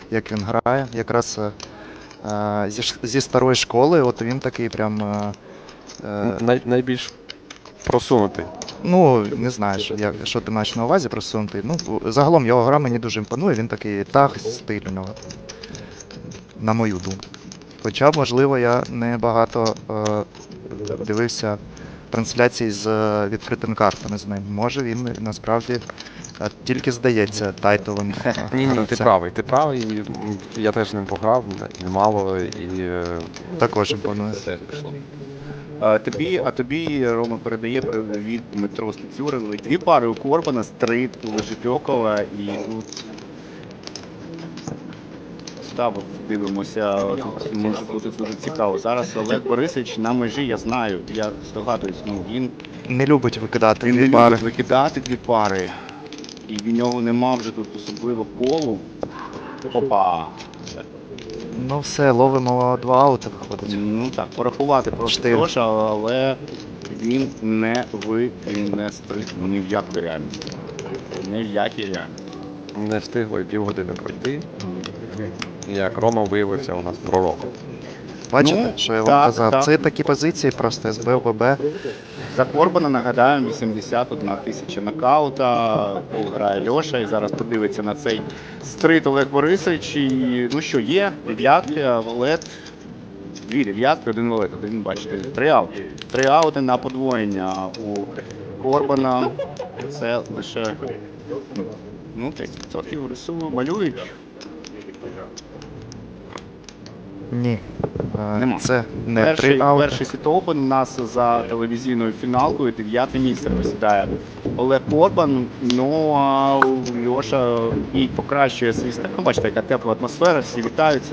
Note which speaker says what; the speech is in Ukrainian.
Speaker 1: як він грає. Якраз зі старої школи, от він такий прям.
Speaker 2: Найбільш просунутий.
Speaker 1: Ну, не знаю, що ти маєш на увазі просунутий. Ну, загалом його гра мені дуже імпонує, він такий стиль у нього. На мою думку. Хоча, можливо, я не багато дивився трансляцій з відкритими картами з ним. Може він насправді тільки здається тайтовим.
Speaker 2: Ні, ти
Speaker 1: гравцем.
Speaker 2: правий. Я теж не пограв, немало, і
Speaker 1: Також імпонує.
Speaker 3: Тобі Рома передає привіт Дмитро Стецюрин. Дві пари у Корбана, Стрит, Лежепьокова і тут ставок дивимося. Тут може бути дуже цікаво. Зараз Олег Борисович на межі, я знаю, я здогадуюсь, він
Speaker 1: Не любить викидати
Speaker 3: не
Speaker 1: дві пари.
Speaker 3: любить викидати дві пари. І в нього нема вже тут особливо колу. Опа!
Speaker 1: Ну все, ловимо 2 аути виходить.
Speaker 3: Ну так, порахувати просто
Speaker 1: Чотири.
Speaker 3: гроші, але він не стрибнув ні в якій реальності. Ні в якій реальності.
Speaker 2: не встигло і півгодини пройти. Як Рома виявився у нас пророком.
Speaker 1: Бачите,
Speaker 3: Ну,
Speaker 1: що я вам
Speaker 3: так,
Speaker 1: казав?
Speaker 3: так.
Speaker 1: Це такі позиції просто СБ, ОББ.
Speaker 3: За Корбана, нагадаємо, 81 тисяча нокаута, пол грає Льоша, і зараз подивиться на цей стрит Олег Борисович. І, ну що, є дев'ятки, валет, дві дев'ятки, один валет, один, бачите, три аути на подвоєння у Корбана. Це лише, ну, 30% рису малюють.
Speaker 1: Ні.
Speaker 3: Нема.
Speaker 1: Це не 3 аути.
Speaker 3: Перший сіт-опен у нас за телевізійною фіналкою, 9-те місце посідає Олег Корбан. Ну а Льоша і покращує свій стек. Ну, бачите, яка тепла атмосфера, всі вітаються.